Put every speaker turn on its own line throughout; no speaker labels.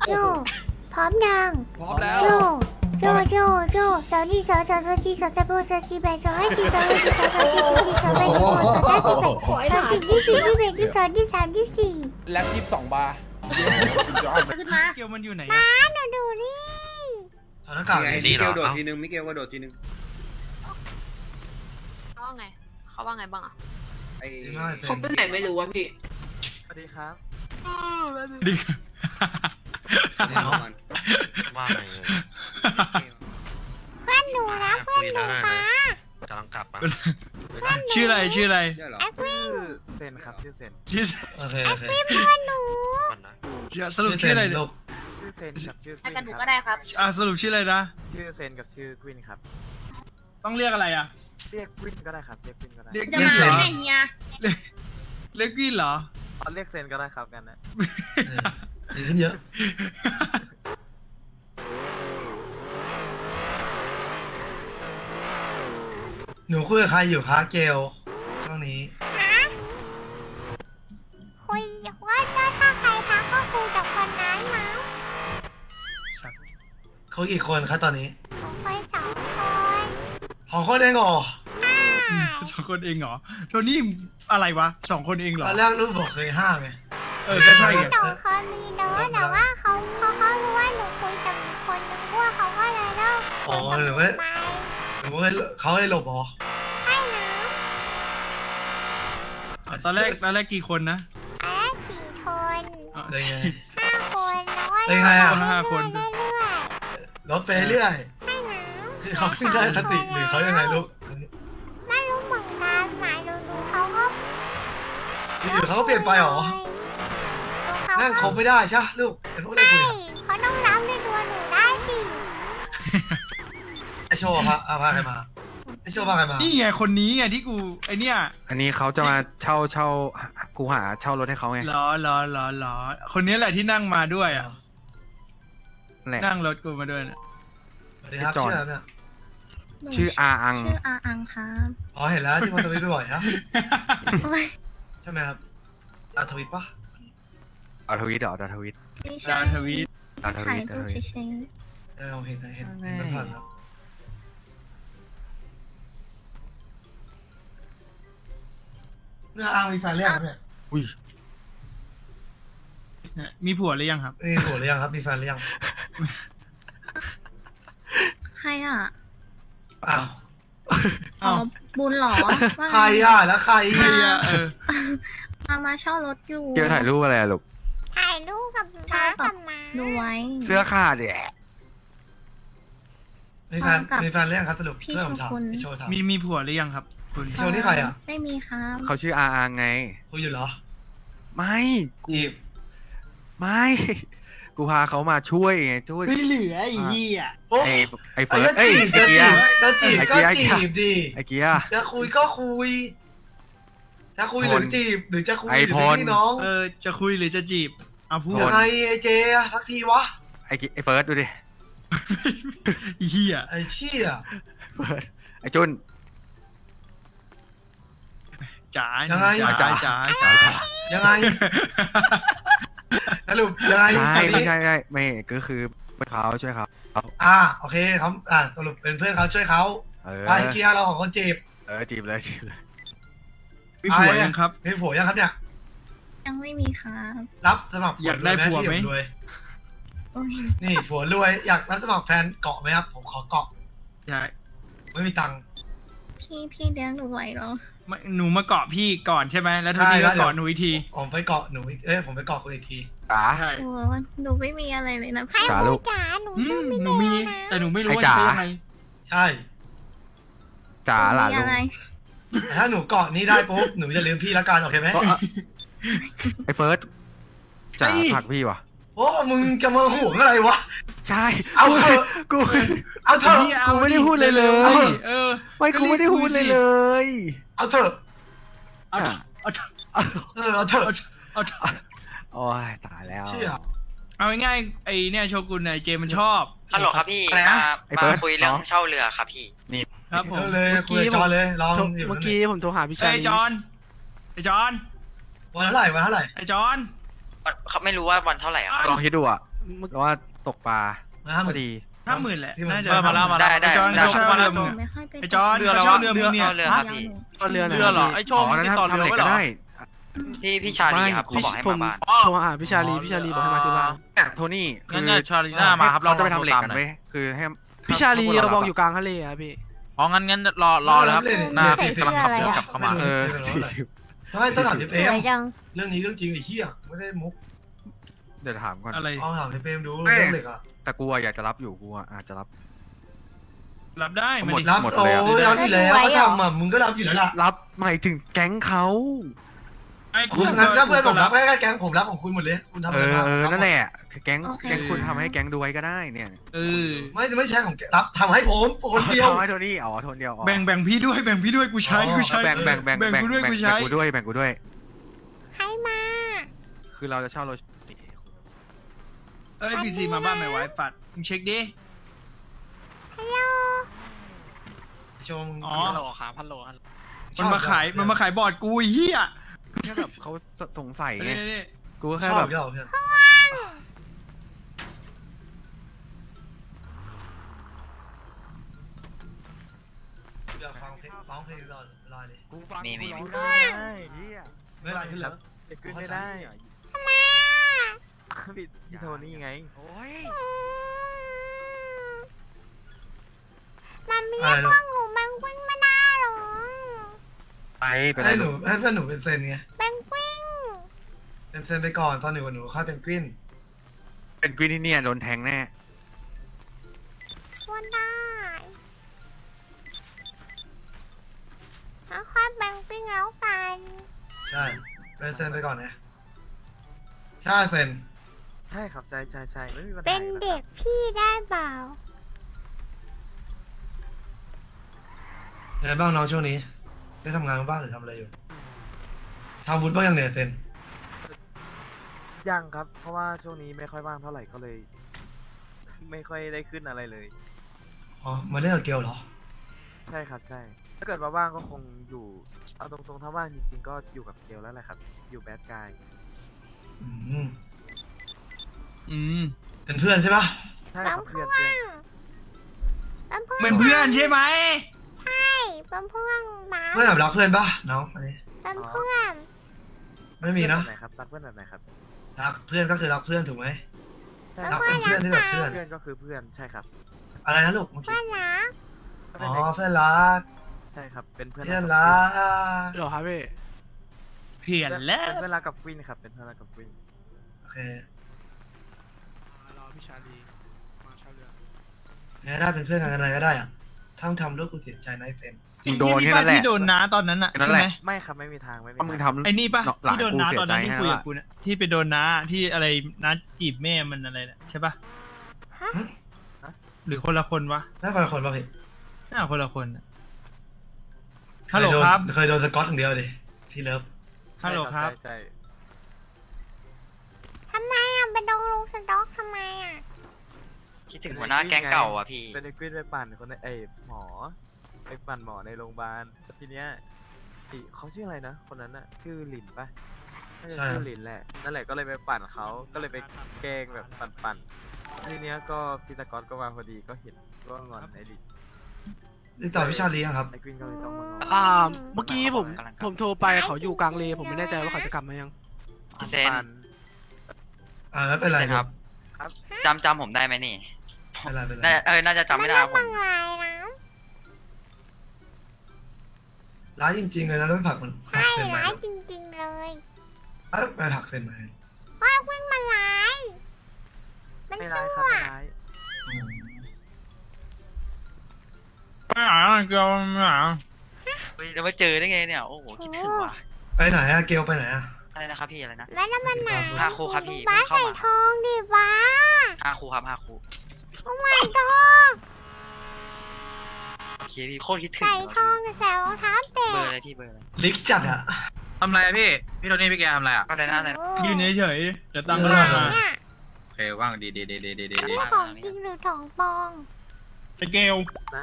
โจพร้อมยัง
พร้อมแล้ว
โจสาวนี่สาวจีสาวตะโบสาวจีแบสาวให้จีสาวให้จีสาวจีสาวจีสาวแบสาวสาวจีแบสาวจีที่สี่ที่แบที่สองที่สามที่สี่
แล็บ22 บาร์
ขึ้นมา
เกียวมันอยู่ไหน
มาหนูดูนี่
ถอดหน้ากาก
ไง
ดิ
มิเกลโดดทีนึงมิเกลก็โดดทีนึง
เขาว่าไงเขาว่าไงบ้างอ่ะ
ไอ้
เขาไปไหนไม่รู้วะพี่
สวัสดีครับ
ดี
มัน
ว่าไงเลย
เพื่อนหนูนะเพื่อนหนูป้าก
ำลังกลับมา
ชื่ออะไรชื่ออะไร
เนี่ยเหรอ
แอควิน
เซนครับชื่อเซน
ชื่อ
โอเค
แอ
โอ
ค
เค
วินเพื่อนหนู
มันนะ
สรุปชื่ออะไร
ลูก
ชื่อเซนกับชื่อ
ไปกันหนูก็ได้ครับ
สรุปชื่ออะไรนะ
ชื่อเซนกับชื่อควินครับ
ต้องเรียกอะไรอ่ะ
เรียกควินก็ได้ครับเรียกควินก็ได้
เรียก
จะ
วิน
มา
เหรอ
ไหนเฮีย
เรียกวินเหรอ
เอาเรียกเซนก็ได้ครับกันนะ
ดีขึ้นเยอะ หนูคุยกับใครอยู่คะเกลช่วงนี้
ฮะคุยว่าถ้าใครทักก็คุยกับคนนั้นมั้ง
เขากี่คนคะตอนนี้
คุยสองคน
ของคนเองเหรอ
สองคนเองเหรอโทนี่อะไรวะสองคนเองเหร
ต
อ
อนแรกลูกบอกเคยห้าไง
ก็ใช่ไง
หนูเคยมีเนอะแต่ว่าเขารู้ว่าหนูคุยกับอีกคนนึงด้วยเขาก็เลยเลิก
อ๋อ
คุยกับ
ห
ห
รื
นู
อว่า
ไป
หนูเขาให้หลบเหรอ
ใช่นะ
ตอนแรกกี่คนนะ
อันละสี่คน
เลยไง
5 คนแล้วก็
เป็นไงอะ
5 คน
เรื่อย
ลบไปเรื่อย
ๆให้นะ
คือเขาเพิ่งได้สติหรือเขายังไงลูก
ไม่รู้เหมือนกันหมายดูเขาก็
อยู่ๆเขาก็เปลี่ยนไปเหรอ นั่งคบไม่ได้ใช่ปะลูกเห็นพวกได้
ใช่
คุยอะ
เขาต้องรับในตัวหนูได้สิ
ไอโชว์พาพาใครมาไอโชว์พาใครมา
นี่ไงคนนี้ไงที่กูไอเนี่ย
อันนี้เขาจะมาเช่ากูหาเช่ารถให้เขาไง
หรอคนนี้แหละที่นั่งมาด้วยอ่ะ
แหละ
นั่งรถกูมาด้วยนะ
สวัสดีครับ
จอห์น
ชื่ออะไรเนี่ย
ชื่ออาอัง
ชื่ออาอังครับ
อ๋อเห็นแล้วที่มันทวิตบ่อยๆนะ
โอ้ย
ใช่ไหมครับอาทวิตปะ
เอาทวิตเหรอเอาทวิต
ไม่
ดา
ใช่
วทวีต
เอาท
ถ่า
วิ
ย
ต
รูปเฉย
ผมเห็นมันผ่านแล้วเนื้ออ้างมีแฟนเรียกครับเนี่ย
อุ้ย
มีผัวหรือยังครับ
มีผัวหรือยังครับมีแฟนหรือยัง
ๆใครอ่ะ
อ้าว
อ๋อ บุญเหรอว่า
ใครอ่ะแล้วใคร
ใครอะ
มาเช่ารถอยู่
เกี่ยวถ่ายรูปอะไรอะลูก
ถ่ายรูปกับม้ากับม้า
ดูไว้
เสื้อขาดแหละ
มีแฟนมีแฟนหรือยังครับสรุป
พี่
เพื่อนผมถาม
โชกุน
พี่โชว์ถาม
มีผัวหรือยังครับคุณ
โชว์นี่ใครอ่ะ
ไม่มีครับ
เขาชื่ออาอังไง
คุยอยู่เหรอ
ไม่กู
จีบ
ไม่ กูพาเขามาช่วยไงช่วย
ไม่เหลือไอ้เหี้ย
โอ้
ไอ้เฟิร์สเอ้ยไอ้
จะ
เกี
จี
ย
บ
ร์
จะจีบ
ไอ้
ก็
เกียร์
จีบดิ
ไอ้เกียร์
จะคุยก็คุยจะคุยหรือจีบหรือจะคุยห
ไอ้
รือ
พ
เป็น
ล
พี่น้อง
จะคุยหรือจะจีบเอาพูด
ยังไงไอ้เจอะสักทีวะ
ไอ้เฟิร์สดูดิ
เหี้ย
ไอ้เชี่ย
เฟิร์สไอ้จุน
จ๋า
ยังไง
จ๋า
ยังไงสรุปยังไง
ใช่
คน
ไม่
นี้
ใช่ไม่ก็คือเป็นเขาช่วยเขา
โอเคเขาสรุปเป็นเพื่อนเขาช่วยเขา
เออ
ไปเกียร์เราของคนจีบ
จีบเลยจีบเลย
มีผัวยังครับ
มีผัวยังครับเนี่ย
ยังไม่มีครับ
รับสมัคร
อยากได้ผัวไหม
รวย
โอ้ย
นี่ผัวรวยอยากรับสมัครแฟนเกาะไหมครับผมขอเกาะ
ใช่
ไม่มีตังค์
พี่เลี้ยงหนูไหวเหรอ
หนูมาเกาะพี่ก่อนใช่ไหมแล้วโทนี่ก็เกาะหนูอีกที
ผมไปเกาะหนูผมไปเกาะคุณอีกที
จ๋า
ใช่
โอ้หนูไม่มีอะไรเลยนะ
ใคร
พี่
จ๋าลู
รู้
ก
จ๋าหนู
อื
ชื่อ
ม
มิ
ห
เด
นูมี
ลนะ
แต่หนูไม่รู้ว่า
ไอ้จ๋า
จะยังไง
ใช่
จ๋าหลาน
มี
ลุง
อะไร
แต่ถ้าหนูเกาะนี้ได้ปุ๊บหนูจะลืมพี่ละกันโอเคไหม
ก็ไอ้เฟิร์สจ๋าผลักพี่วะ
โอ้มึงจะมาห่วงอะไรวะ
ใช่
เอาเถอะ
กู
เอาเถอะ
พี่เอา
กูไม่ได้พูดเลยเลย
เออ
ไม่กูไม่ได้พูดเลยเลย
เอาเถอะ
เอาเถอะเอาเถอะ
เอาเถอะ
เอาเถอะ
โอ้ยตายแล้ว
เชี่ย
เอาง่ายๆไอเนี่ยโชกุนไอเจมันชอบ
ฮัลโหลครับพี่
อะไรนะ
ไอ้เฟิ
มา
ร์ส
คุยเรื่อง
น้อง
เช่าเรือครับพี่
ครับผม
เลยคุยกับจอเลยลองอยู่
เมื่อกี้ผมโทรหาพี่
ไอ
ชาย
จอนไอจอน
วันเท่าไหร่
ไอจอน
เขาไม่รู้ว่าวันเท่าไหร่อะครับ
ลองคิดดูอ่ะหรือว่าตกปลา
ห้าห
พ
มื่
อน ดี
50,000แหละ
ที่มัน
น่าจะ
มาแล้วมาแล้ว
ไอ้จอนเขาเช่าเรือมึง
ไม่
อะ
ค่อยไป
ไอ้จอน
เรือ
เขา
อะไรวะ
เช่าเรือมึงเนี่ย
เรือครับพี่
เรือ
เรือเหรอไอ้โชค
อ๋อนั้น
ติดต่อ
ทำ
เรือ
เหล็ก
ไว้
ก็
เหรอ
ได้
พี่ชาลีครับเขาบอกให้
ผ
มาบ้าน
โทรหาพี่ชาลีพี่ชาลีบอกให้มาที่บ้าน
เนี่ยโทนี่
งั้น
คือ
เนี่ยชาลีน่ามาครับ
เขาจะไปทำเหล็ก
ตาม
กัน
หน่อย
ไว้ยคือให้
พี่ชาลี
ถ้
เรา
พว
บอก
อะ
อยู่กลางทะเลอะพี่
อ๋องั้นรอแล้วครับหน้าพี่กำลังขับเรือกลับเข้ามา
เออ
ไม่ต้องถามเจ
ส
เปร
ว
ม
ยจัง
เรื่องนี้เรื่องจริงไอ้เหี้ยไม่ได้มุก
เดี๋ยวถามก่อน
อะไร
เอาถามเจเปรมดู
ไม่
เรื่องเหล็กอ่ะ
แต่กูอะอยากจะรับอยู่กูอะอาจจะรับ
รับได้มาดิ
รับ
หมด
โอ้
เลยอะ
ยรับอยู่แล้วเขาทำอ่ะมึงก็รับอยู่แล้วล่ะ
รับหมายถึงแก๊งเขา
ไอ้
งั้นถ้าเพื่อนผมรับแค่แก๊งผมรับของคุณหมดเลยคุณทำอะไรมา
นั่นแหละแก๊งคุณทำให้แก๊งดูไว้ก็ได้เนี่ย
ไม่ใช่ของรับทำให้ผมคนเดียว
ทำให้โทนี่อ๋อโทนเดียวอ๋อ
แบ่งพี่ด้วยแบ่งพี่ด้วยกูใช้กูใช้
แบ่ง
กูด้วยกูใช้
กูด้วยแบ่งกูด้วย
ให้มา
คือเราจะเช่ารถ
เอ้ยพีซีมาบ้านไหมไว้ปัดมึงเช็คดิ
ฮัลโหล
ชม
อ๋อ
ฮัลโหลครับฮัลโหล
มันมาขายบอร์ดกูไอ้เหี้ย
แค่แบบเขาสงสัยไง
นี่
กูก็
ช
แค่
อ
แบบ บ
ยอดเพื่อนอยากฟังเพลงรอเลย
กูฟัง
มี
กูร้อง
มี
ได้เหี้ย
ไม่ไรขึ้นแล้ว
ขึ้นไม่ได้
ทำไมอ่ะ
พี่โทนี่ไง
โอ้ย
มันมีห้องหนูแบงกิ้งไม่ได้หรอ
ไปไป
ให้หนูให้เพื่อนหนูเป็นเซนไง
แบงกิ้ง
เป็นเซนไปก่อนตอนหนูกับหนูค่อยเป็นกวิน
เป็นกรีนที่เนี่ยโดนแทงแน่
ชวนได้แล้วค่อยแบงกิ้งแล้วกัน
ใช่เป็นเซนไปก่อนไงใช่เซน
ใช่ครับใช่ไม่มีปัญหา
เป็นเด็กพี่ได้เปล่า
ยังไงบ้างน้องช่วงนี้ได้ทำงานบ้างหรือทำอะไรอยู่ทำวุฒิบ้างยังเนี่ยเซน
ยังครับ เพราะว่าช่วงนี้ไม่ค่อยว่างเท่าไหร่ก็เลย ไม่ค่อยได้ขึ้นอะไรเลย
อ๋อมาเล่นกับเกลเหรอ
ใช่ครับใช่ ถ้าเกิดว่าว่างก็คงอยู่เอาตรงๆถ้าว่างจริงๆก็อยู่กับเกลแล้วแหละครับ อยู่แบดกาย
อืม
เป็นเพื่อนใช่ปะ
ใช่
แบ
ครั
ง
บ
เพื่
เพื่
อ
อน
น
เพื่อน
เป็นเพื่อน
เป็นเพื่อนใช่ไหม
ใช่เป็นเพื่อนบ้า
เพื่อนแบบรักเพื่อนปะน้องอันนี้
เป็นเพื่อน
ไม่มีนะ
แบบไหนครับรักเพื่อนแบบไหนครับ
รักเพื่อนก็คือรักเพื่อนถูกไหม
ใช่
รัก
ครับ
เป็นเพื่อนที่แบบเพื่อน
เพื่อนก็คือเพื่อนใช่ครับ
อะไรนะลูกเมื่อ
เพื่
กี้
อนนะ
อ๋อเพื่อนรัก
ใช่ครับเป็นเพื่อน
เพื่อนรัก
หรอครับพี่
เพี้ยนแล้ว
เป็นเพื่อนรักกับกวินครับเป็นเพื่อนรักกับกวิน
โอเค
รอพี่ชาลีมาเช่าเรือ
งั้นได้เป็นเพื่อนกันอะไรก็ได้อะทั้งทำลูกกูเสียใจนะไอ้เซน
มึงโดนแค่นั้นแหละ
ที่โดนน้าตอนนั้นอะ
นั่น
ใช่
แห
ไหม
ละ
ไม่ครับไม่มีทางไม่มี
ก็มึง
ทาง
ทำ
ไอ้นี่ปะ
หลาน
ที่โดน
กู
น้า
เสีย
ตอน
ใจ
นั้นที่
ให้
คุย
แล้ว
กับกูเนี่ยที่ไปโดนน้าที่อะไรน้าจีบแม่มันอะไรเนี่ยใช่ปะ
ฮะ
หรือคนละคนวะ
น่าคนละคนป่ะพี่
啊
น่าคนละคนอะฮัลโหลครับ
เคยโดนสกอตอย่างเดียวดิที่เลิฟ
ฮัลโหลครับ
ใช่
ทำไมอ่ะเป็นโดนลงสต็อกทำไมอ่ะ
คิดถึงหัวหน้าแก๊งเก่าอ่ะพี่
เป็นไอ้กวินไปปั่นคนในหมอไปปั่นหมอในโรงพยาบาลทีเนี้ยเขาชื่ออะไรนะคนนั้นอะชื่อหลินปะน่าจะชื่อหลินแหละนั่นแหละก็เลยไปปั่นเขาก็เลยไปแกล้งแบบปั่นทีเนี้ยก็พิตากรก็มาพอดีก็เห็นก็งอนไอ้หลิน
ติดต่อพี่ชาลียังครับ
ไอ้กวินก็เลยต้องมางอน
เมื่อกี้ผมโทร
ไปเขาอยู่กลางเลผมไม่แน่ใจว่าเขาจะกลับมายัง
พี่เซน
ปั่น
ไม่เป็นไร
ครับ
ครับ
จำผมได้ไหมนี่
ไม่เป็นไรไม่เป็นไร
น่าจะจำไม่ได้ครับผ
บั
ม
งลายนะ
ร้ายจริงๆเลยนะแล้วไปผลักมันผลั
ใช่
กเซนมา
ร้ายจริงๆเลย
ไปผลักเซนมา
ว่าเพิ่งมาร้าย มัน
ไม่
สู้
ร้ายครับไม่
อ่ะ
ร้าย
ไม่หาเกลียวไม่หา
เฮ้ยเรามาเจอได้ไงเนี่ย โอ้โห คิดถึงว่ะ
ไปไหนอะเกลไปไหนอะ
อะไรนะครับพี่อะไรนะ
แล้วน้ำมันหนา
ห้าคู่ครับพี่
บ้า
เพิ่งเข้า
ใส่
มา
ทองดิบ้า
5 คู่ครับ5 คู่
โอ้ my god
โอเคพี่โคตรคิดถึง
ใส่ทองแต่ใส่รองเท้าแตะ
เบอร์อะไรพี่เบอร์อะไร
ลิกจัดอะ
ทำไรอะพี่โทนี่พี่แกทำไรอะ
ก็ได้นะอะไรนะ
ยืนเฉยๆเดี๋ยวตังค์
เอ
ก็
อ
ได้มา
เนี่ย
โอเคว่างดี
นี่ของจริงหรือของปลอม
ไอเกล
นะ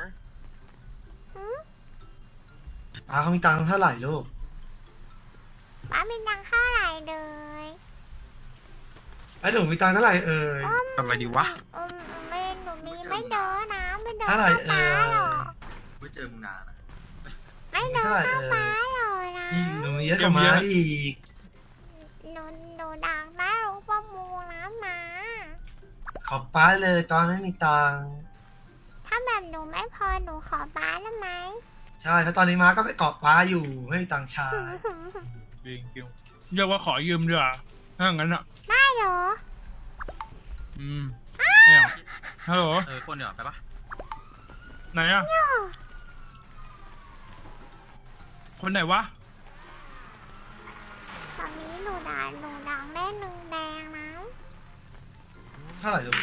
เขามีตังค์เท่าไหร่ลูก
ป้ามีตังค่าไหร่เลย
ไอ้หนูมีตังค์เท่าไหร่เอ่ย
ทำอะไรดีวะ
ไม่หนูมีไม่เดินนะไม่เดิน
เท่าไหร่
เข้า
เอ่
ป้าย หรอก
ไม่เจอมึงนานนะ
ไม่เดินเข้าป้าหรอกนะ
หนูมีเยอะกว่าม้าอีก
หนูดังได้รู้ประมูลนะมา
ขอป้าเลยตอนไม่มีตังค์
ถ้าแบบหนูไม่พอหนูขอป้าได้ไหม
ใช่เพราะตอนนี้ม้าก็ไปเกาะป้าอยู่ไม่มีตังค์ใช้
จริงจริงเรียกว่าขอยืมดีกว่าถ้างั้นอ่ะ
ได้เหรอ
ไม่เอาฮัลโหล
คนเดียวไปปะ
ไหนอ่ะคนไหนวะ
ตอนนี้หนูดังได้หนึ่งแดงนะ
เท่าไหร่ลูก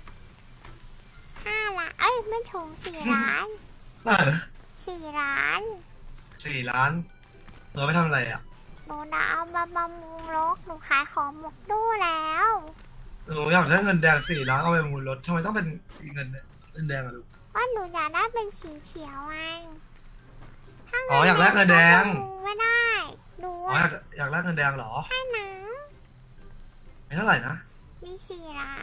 5 ล้านเอ้ยไม่ถึง4 ล้าน
เท่าไหร่นะ
4 ล้าน
4 ล้านเราไปทำอะไรอ่ะ
หนูจะเอามาบำรุงรถหนูขายของหมกตู้แล้ว
หนูอยากได้เงินแดง4 ล้านเอาไปมูลรถทำไมต้องเป็นเงินแดงอ่ะลูก
ว่าหนูอยากได้เป็นสีเขียวไงถ้า
อ๋ออยากได้เงินแดง
หนูไม่ได้หนู
อ๋ออยากได้เงินแดงเหรอ
ให้หนัง
ไม่เท่าไหร่นะ
มี4 ล้าน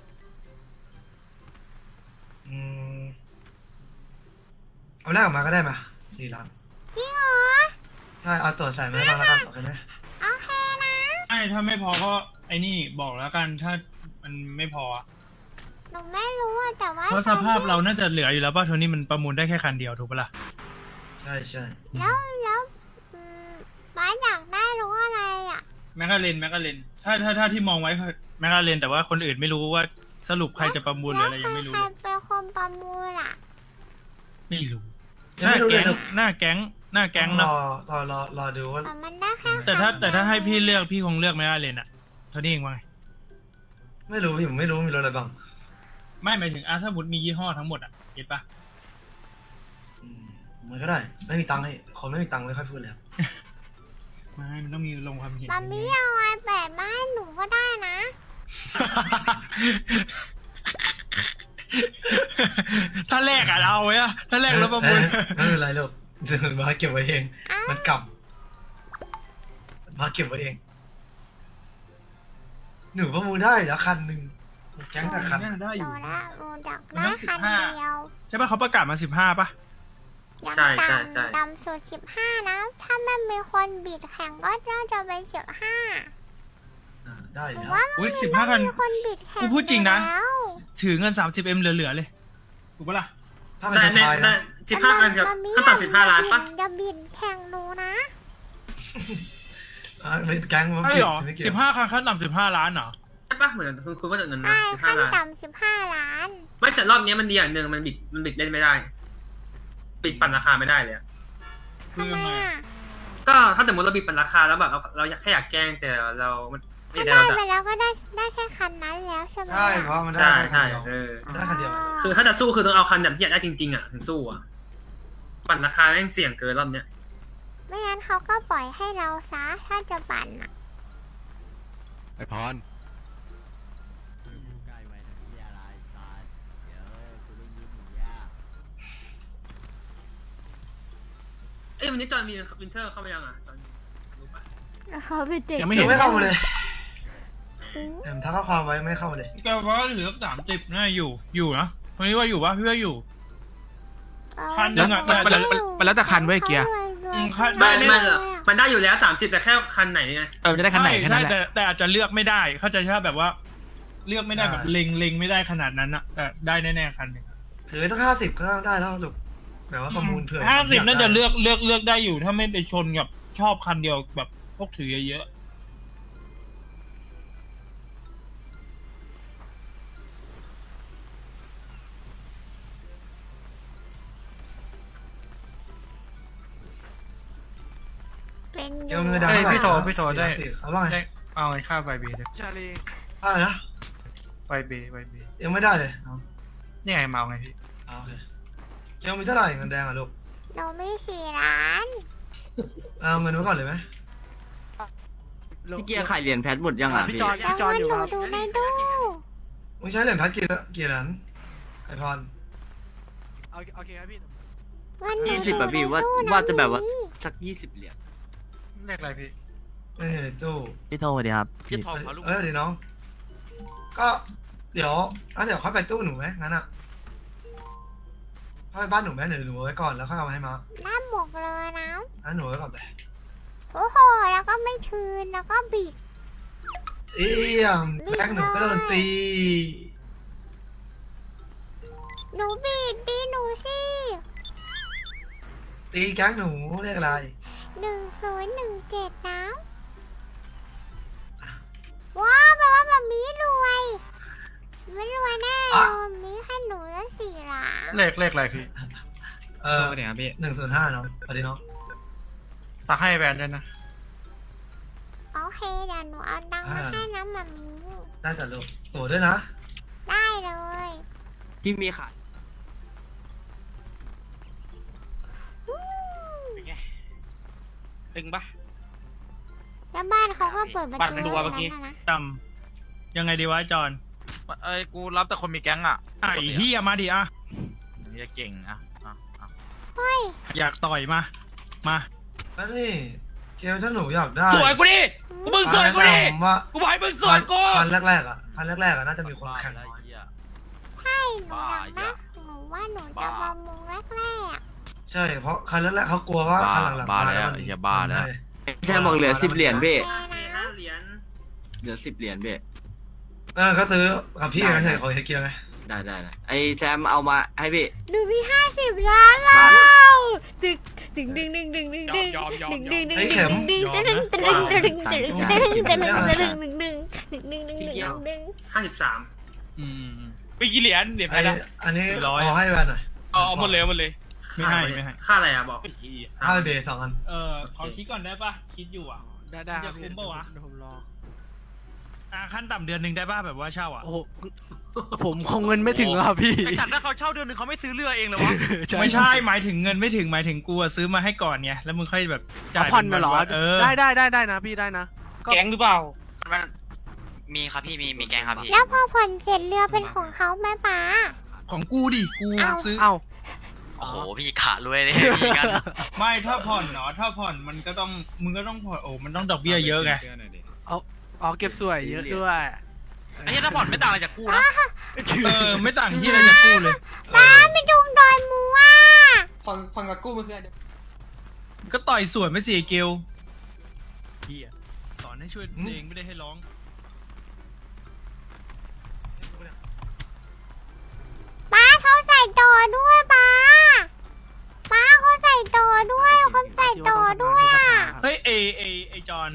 เอาแรกออกมาก็ได้มา4 ล้าน
จริงเหรอ
ใช่เอาตัวใส่มาให้บ้างแล้วกันโอเคไหม
โอเคนะ
ไอ้ถ้าไม่พอก็ไอ้นี่บอกแล้วกันถ้ามันไม่พออะ
หนูไม่รู้อะแต่ว่า
เพราะสภาพเราน่าจะเหลืออยู่แล้วป่ะโทนี่มันประมูลได้แค่คันเดียวถูกปะล่ะ
ใช่ใช่
แล้วบ้านอยากได้รู้อะไรอ่ะ
แมกกาเลนถ้าที่มองไว้คือแมกกาเลนแต่ว่าคนอื่นไม่รู้ว่าสรุปใครจะประมูลหรืออะไรยังไม่รู้
ใคร
เลย
เป็นคนประมูลอ่ะ
ไม่รู้
ยังไม่รู้เลยลูก
หน้าแก๊งเนอะ
รอดูว่า
แต่มันได้แค่
แต่ถ้าให้พี่เลือกพี่คงเลือกแมกกาเลนอะโทนี่เองว่าไง
ไม่รู้ผมไม่รู้มีรถอะไรบ้าง
ไม่หมายถึงถ้าสมมติมียี่ห้อทั้งหมดอะเก็ตปะ
มันก็ได้ไม่มีตังค์ให้คนไม่มีตังค์ไม่ค่อยพูดแล้ว
ไม่มันต้องมีลงความเห็น
มัมมี่เอาไอแปดมาให้หนูก็ได้นะ
ถ้าแรกอะเอาไว้อะถ้าแรกแล้วประมูล
ไม่เป็นไรลูกเดี๋ยวมาเก็บไว้เอง มันกลับมาเก็บไว้เอง หนูประมูลได้แล้วคันหนึ่งแก๊งกับคัน
ได้อ
หนู
ยู่
ละหนูดักได้คันเดียว
ใช่ปะเขาประกาศมา15ปะ
ยัง
ใช่ใช่
ต่ำ
ใช่
ต่ำสุด15นะ ถ้ามันมีคนบิดแข่งก็น่าจะเป็น15
ได้
หนู
แล้ว
ว่า
อุ้ย
มัน
15คัน
มีคนบิดแข่ง
กูพูดจริงนะ
แล้ว
ถือเงิน 30M เหลือๆเลยถูกปะล่ะ
ถ้าเป็นไทยนะ
15 กันจะ
มัมมี่
ขั้นต่ำ15 ล้านปะ
อย่าบิดแข่งหนูนะ
เป็นแก๊งมัน
ใช่
เก็บ
หรอ
ไม่เก็บ
15คันขั้นต่ำ15 ล้านเหรอ
ใช่ปะเหมือนคุณว่าจะเงินนะ
ใช่ขั้น
15 ล้าน
ต่ำ15 ล้าน
ไม่แต่รอบนี้มันดีอย่างหนึ่งมันบิดเล่นไม่ได้ ปิดปั่นราคาไม่ได้เลยอะ
คือ
ทำไม
ยังไง
อ่ะ
ก็ถ้าสมมติเราบิดปั่นราคาแล้วแบบเราอยากแกล้งแต่เราไม่
ถ้า
ได้
ได้
เรา
ไป
จะ
แล้วก็ได้แค่คันนั้นแล้วใช่ไหม
ใช่เพราะมันได้
ใช่
แค่คัน
ใช่
เดียว
เออ
ได้คันเดียว
คือถ้าจะสู้คือต้องเอาคันแบบที่อยากได้จริงๆอ่ะถึงสู้อ่ะปั่นราคาแม่งเสี่ยงเกินรอบเนี้ย
ไม่งั้นเขาก็ปล่อยให้เราซะถ้าจะปั่นอ่ะ
ไอพร
เอ้ยวันนี้จอห์นมีวินเทอร์เข้ามายังอ่ะจอห์นรู้ปะ
เขาเป็นเด็ก
ยังไม่
ยั
เห็น
งไม่เข้ามาเลยทักข้อความไว้ไม่เข้ามาเลย
แต่ว่าเหลือ30น่าอยู่นะวันนี้ว่าอยู่ปะพี่ว่าอยู่ คันหนึ่งอะ
มันแล้วแต่คันเว้ยเกียร์
ไม่มันได้อยู่แล้ว30แต่แค่คันไหนไง
จะได้คันไหนแค่
ใช่
นั้นแหละ
แต่อาจจะเลือกไม่ได้ เข้าใจใช่แบบว่า เลือกไม่ได้แบบเล็งไม่ได้ขนาดนั้นอะแต่ได้แน่ๆคันหนึ่ง
ถือตั้ง50ก็ได้แล้วลูกแบบว่าประมูลเผื่อ
50น่าจะเลือกได้อยู่ ถ้าไม่ไปชนกับชอบคันเดียวแบบพวกถือเยอะ
เป็นอ
เกี่ย
ยู่
วเงินดาวเท่าไหร่
พี่โทรได้
เอาว่าไง
ได้เอาเงินค่าไฟเบย์
ชาลี
อะไรนะ
ไฟเบย์
ยังไม่ได้เลย
นี่ไงเมาไงพี่
โอเคเกี่ยวมีเท่าไหร่เงินแดงอ่ะลูก
หนูมี4 ล้าน
เอาเงินไว้ก่อนเลยไหม
พี่เกียร์ขายเหรียญแพทหมดยังอ่ะพี่
แล้วเงินหนูดูในตู้
มึงใช้เหรียญพัดกี่เหรียญไอพร
โอเคครับพี่
เงินหนู
20
ดู
อะ
ใน
พี่
ตู้
ว่าจะแบบว่า
นะ
สัก20 เหรียญ
เลขอะไรพี่
เงินอยู่ในตู้
พี่โทรสวัสดีครับ
พี่ทอมเขาลูก
เดี๋ยวน้องก็เดี๋ยวค่อยไปตู้หนูไหมงั้นอ่ะค่อยไปบ้านหนูไหมหนูไว้ก่อนแล้วค่อยเอามาให้มา
น้ำหมกเลยนะ
งั้นหนูไว้ก่อนไป
โอ้โหแล้วก็ไม่คืนแล้วก็บิด
เอี่ยมแก๊งหนูก็โดนตี
หนูบิดตีหนูสิ
ตีแก๊งหนูเรียกอะไร
1017นะว้าวแปลว่าแบบมีรวยไม่รวยแน่เลยมีให้หนูแล้ว4 ล้าน
เลขอะไรพี่
เนี่ยพี่
105น้องสวัสดีน้อง
สักให้แบรนด์ด้วยนะ
โอเคเดี๋ยวหนูเอาตังค์มาให้น้ำแบบนี้
ได้จัดลูกตัวด้วยนะ
ได้เลย
ที่มีขาย
ตึงปะ
แล้วบ้านเขาก็เปิดประ
บ้าน
ตู
ไม่รู้ว่าเมื่อกี้
ให้นะ
จำยังไงดีวะจอน
เอ้ยกูรับแต่คนมีแก๊งอ่ะ
ไอ้เฮียมาดิอ่ะ
นี่เก่งอ่ะ
เฮ้ย
อยากต่อยมา
แล้วนี่เกลถ้าหนูอยากได้
สวยกูดิกูมึงสวยกูดิ
ผมว่า
กูบอกให้มึงสวยกู
คันแรกๆอ่ะน่าจะมีคนแข่งน้อย
ใช่หนูอยากนะหนูว่าหนูจะประมูลแรก
ใช่เพราะคันแรกๆเขากลัวว่าคันหลังๆ
บ้า
มา
แล้ว
มัน
ไอ้เหี้ยบ้าแล้ว
แค่บอกเหลือ10 เหรียญพี่
ๆแค่นะ
5 เหรียญ
เหลือ10 เหรียญพี่
ก็ซื้อกับพี่กันเฉยของเฮเกียไง
ได้ไอ้แซมเอามาให้พี่
หนูมี50 ล้านแล้วตึกดึงดึงดึงดึงดึงดึง
ยอม
ดึงดึงดึงดึงดึงดึงดึงดึงดึงดึงดึงดึงดึงดึงดึงดึงดึงดึงดึง
53
ไปกี่เหรียญแพ้ละ
อันนี้
ร้อย
เอาให้แวนหน่อย
เอาหมดเลยไม่ให้
ค่าอะไรอ่ะบอก
ให้เบย์2 อัน
ขอคิดก่อนได้ปะคิดอยู่อ่ะ
ได้
จะคุ้มปะวะ
ผมรอ
ขั้นต่ำเดือนหนึ่งได้ป่ะแบบว่าเช่าอ่ะ
โอ้โหผมคงเงินไม่ถึงครับพี่
ไอ้สัตว์ถ้าเขาเช่าเดือนนึงเขาไม่ซื้อเรือเองเลยวะ
ไม่ใช่หมายถึงเงินไม่ถึงหมายถึงกูอะซื้อมาให้ก่อนไงแล้วมึงค่อยแบบจ่าย
ผ่อนมาเหรอ
เออ
ได้นะพี่ได้นะ
แก๊งหรือเปล่า
มันมีครับพี่มีแกงครับพี่
แล้วพอผ่อนเสร็จเรือเป็นของเขาไหมป๊า
ของกูดิกูซื้อ
เอ้า
โอ้โหพี่ขารวยเลยพี่กัน
ไม่ถ้าผ่อนเนาะถ้าผ่อนมันก็ต้องมึงก็ต้องผ่อนโอ้มันต้องดอกเบี้ยเยอะไง
เอาเก็บสวยเยอะด้วย
ไอ้เหี้ยถ้าผ่อนไม่ต่างอะไรจากกูนะ
ไม่ต่างที่เราจะกู้เลย
ป๊าไม่จุงดอยมัว
ผ่อนกับกู้มันคือ
ก็ต่อยสวนไม่สิเกลเฮียสอนให้ช่วยเองไม่ได้ให้ร้อง
ป๊าเขาใส่ต่อด้วยป๊าเขาใส่ต่อด้วยเขาใส่ต่อด้วยอ่ะ
เฮ้ยไอจอน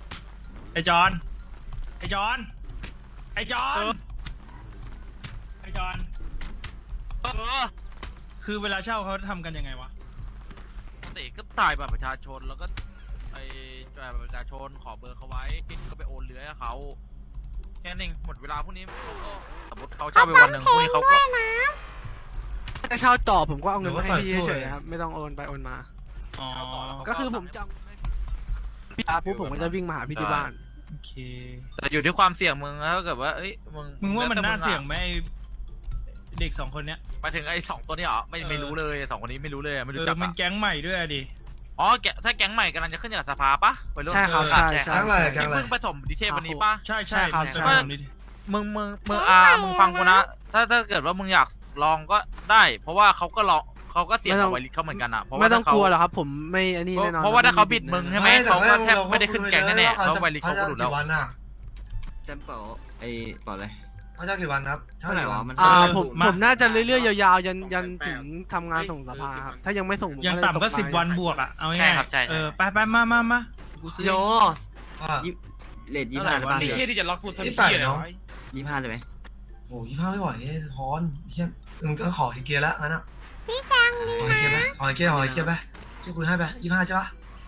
คือเวลาเช่าเขาทำกันยังไงวะ
ปกติก็ถ่ายบัตรประชาชนแล้วก็ไอ้จ่ายบัตรประชาชนขอเบอร์เขาไว้ก็ไปโอนเรือให้เขาแค่นั้นเองหมดเวลาพวกนี้เขาก็สมมติเขาเช่าไปวันหนึ่งพวกนี้เขาก็
ด้วยนะ
ถ้าเช่าต่อผมก็เอาเงินมาให้พี่เฉยๆครับไม่ต้องโอนไปโอนมา
อ๋อ
ก็คือผมจำพี่อาปุ๊บผมก็จะวิ่งมาหาพี่ที่บ้าน
โอเค
แต่อยู่ที่ความเสี่ยงมึงถ้าเกิดว่าเอ้ยมึง
มึงว่ามันน่า
แล้วแต่
เสี่ยงไหมไอ้เด็ก2 คนเนี้ย
หมายถึงไอ้2 ตัวนี้เหรอไม่รู้เลย2 คนนี้ไม่รู้เลยไม่รู้จัก
มันแก๊งใหม่ด้วยดิ
อ๋อถ้าแก๊งใหม่กำลังจะขึ้นจากสภาปะไปร่วม
ใช่ครับ
เจอ
ใช่
แก๊งอะไรแก๊ง
ที่
อะไร
เพิ่งไปถมดีเทลวันนี้ปะ
ใช่
ครับ
จะ
ใช่
มาตรงนี้ดิ
มึงมึงฟังกูนะถ้าเกิดว่ามึงอยากลองก็ได้ เพราะว่าเขาก็เสี่ยงกับไวริสเขาเหมือนกันอ่ะเพราะว่า
ไม่ต้อง
ถ้าก
ลัว
เขา
หรอกครับ ผมไม่อันนี้แน่นอน
เพราะว่าถ้าเขาบิดมึงใช่ไหมเขาก็แทบ
เรา
ไม่ได้ขึ้นแก๊งแน่ๆ
เขา
เพราะ
จะ
ไวริสเขาก็หลุดแล้ว
กี่วันน่ะ
แซมเปิลไอ้เปล่าเลย
เขาจะกี่วันครับ
เท่าไหร่วะมัน
ผมน่าจะเรื่อยๆยาวๆยันถึงทำงานส่งสภาครับถ้ายังไม่ส่งผม
ยัง
เลย
ต่ำก็
ตก
10 วันบวกอ่ะเอา
ใช่
ง่าย
ครับใช่
ไปมากูซื้อ
โย
ว่า
เลท25ได้ป่ะ
นี่
พี่
ที่จะล็อกกูทำ
ยี่
เพี้
สิบแป
ย
ด
เลย
เนาะ
25เลยไหม
โอ้25ไม่ไหวทอนเฮียมึงต้องขอเฮเกียแล้วงั้นอ่ะ
พี่แซงดี
ขอเฮ
นะ
เกียไหมขอเฮเกียไปที่คุณให้ไป25ใช่ปะ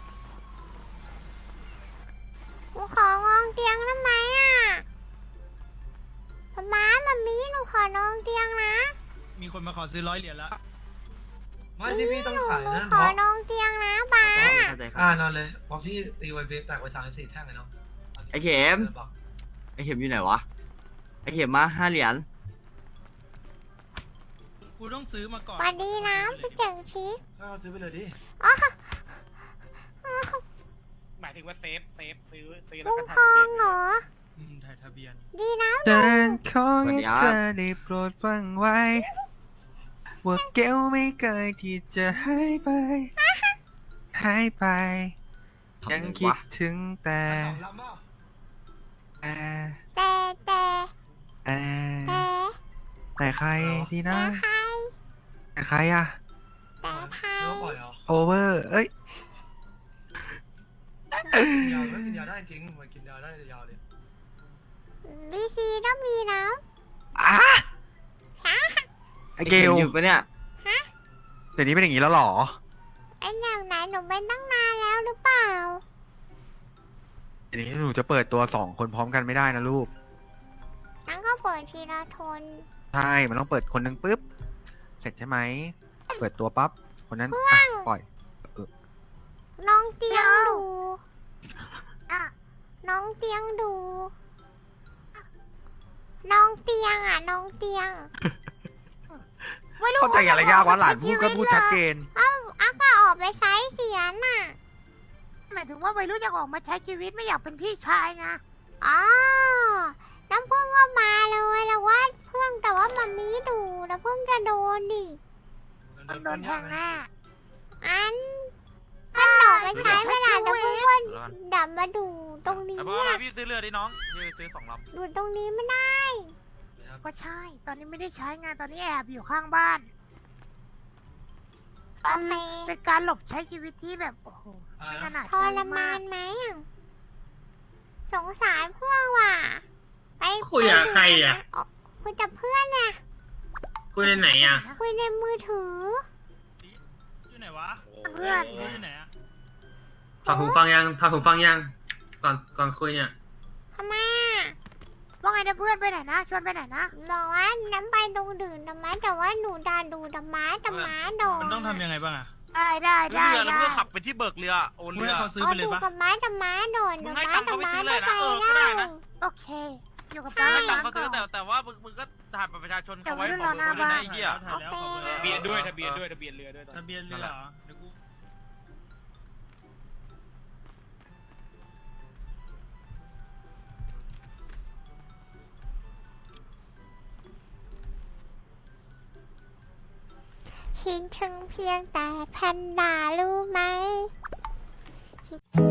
หนูขององเตียงได้ไหมอ่ะป๊ามันมีหนูขอนองเตียงนะ
มีคนมาขอซื้อ100 เหรียญแล้ว
ไม่ที่พี่ต้องขายนั่น
ข
เพ
อ
ราะ
นองเตียงนะป๊า
เข้าใจ
นอนเลยเพราะพี่ตีไวเบสแตกไป34 แท่งเลยเนาะ
ไอ้เข็มอยู่ไหนวะไอ้เข็มมา5 เหรียญ
กูต้องซื้อมาก่อน
สวัสดีนะพี่เจ๋งชิค
ก็ซื้อไปเลยดิ
หมายถึงว่าเซฟซื้อ
ลุงพองเหรอ
ถ่ายทะเบียน
ดีนะ
เดินขอให้เธอได้โปรดฟังไว้ ว่าเกลไม่เคยที่จะหายไป หายไป ยังคิดถึงแต่
สองลำเปล่า
แต่
แต่แต่
แต่
แต่
แต่ใครดีนะ
แต่ใคร
แต่ใครอะ
แต่ใคร
เนื้อปล่อยเหรอ
โอเวอร์ เอ้ย
กินยาไม่กินยาได้จริงมันกินยาได้ยาวเลย
บีซีต้องมีแล้ว
อ่ะ
ฮะ
ไอเกล
อยู่ปะเนี่ย
เดี๋ยวนี้เป็นอย่างนี้แล้วเหรอ
ไอ้แนวไหนหนูเป็นตั้งนานแล้วหรือเปล่า
เดี๋ยวนี้หนูจะเปิดตัว2 คนพร้อมกันไม่ได้นะลูก
งั้นก็เปิดทีละทน
ใช่ มันต้องเปิดคนหนึ่งปุ๊บ เสร็จใช่ไหม เปิดตัวปั๊บ คนนั้นอ่ะปล่อย
น้องเตียงดูอะน้องเตียงดู น้องเตียงอ่ะ น้องเตียง
เข้าใจอะไรยากวะหลานพูดก็พูดชัดเจน
อ่ะก็ออกไปไซส์เสียน่ะ
หมายถึงว่าวัยรุ่นอยากออกมาใช้ชีวิตไม่อยากเป็นพี่ชายนะ
อ๋อ น้ำพึ่งก็มาเลยแล้วว่าเพื่อนแต่ว่ามันมีดูแล้วเพิ่งจะโดนดิ
โดนแทงแน่
อันท่านดอกไปใช้ไม่ได้แต่เพิ่งว่าดับมาดูตรงนี้
ไอ้พ่อ
อะ
พี่ซื้อเรือดิน้องพี่ซื้อ2 ลำ
ดูตรงนี้ไม่ได้
ก็ใช่ ตอนนี้ไม่ได้ใช้งานตอนนี้แอบอยู่ข้างบ้าน
โอเค
เป็นการหลบใช้ชีวิตที่แบบโอ้โหไม่ขนาด
ทรมานไหมอะสงสารเพื่อนว่ะไป
คุยกับใครอ่ะ
คุยกับเพื่อนน่ะ
คุยในไหนอ่ะ
คุยในมือถือ
อยู่ไหนวะ
เพื่อน
อยู่ไหนอะ
ถอดหูฟังยังถอดหูฟังยัง ก่อนคุยเนี่ย
ทำไมอะ
ว่าไงนะเพื่อนไปไหนนะชวนไปไหนนะ
บอกว่าน้ำไปตรงดื่นดำม้าแต่ว่าหนูดาดูดำม้าโดน
มันต้องทำยังไงบ้างอะ
ได้
ซื้อ
ได้
เรือแล้ว
ได้
เพื่อขับไปที่เบิกเรือโอน
มึง
เรือ
ให้เขาซื้อ
เอา
ไปเลย
ดู
ปะ
กับม้าโดน
มึ
ดำ
งให้
ม้า
ตังค์เขาไป
ดำม้า
ซื้อเลย
ไม่
นะ
ไป
ก็ได้
แล้
นะ
ว
โอเค อยู่กับ
ใช่
ป้า
ให้ตังค์
ก่
เขาซื้อ
อน
แต่ว่ามึงก็ถ่ายบัตรประชาชนเขาไว้
แต่
ขอ
ว่า
เบอร์
เรือหน้า
ด้วยนะไอ้เหี้ย
ถ่ายแล้วขอเบอร์
โอเค
ทะเบียนด้วยทะเบียนด้วยทะเบียนเรือด้วย
ทะเบียนเรือเหรอเดี๋ยวกู
คิดถึงเพียงแต่แพนด้ารู้ไหมคิด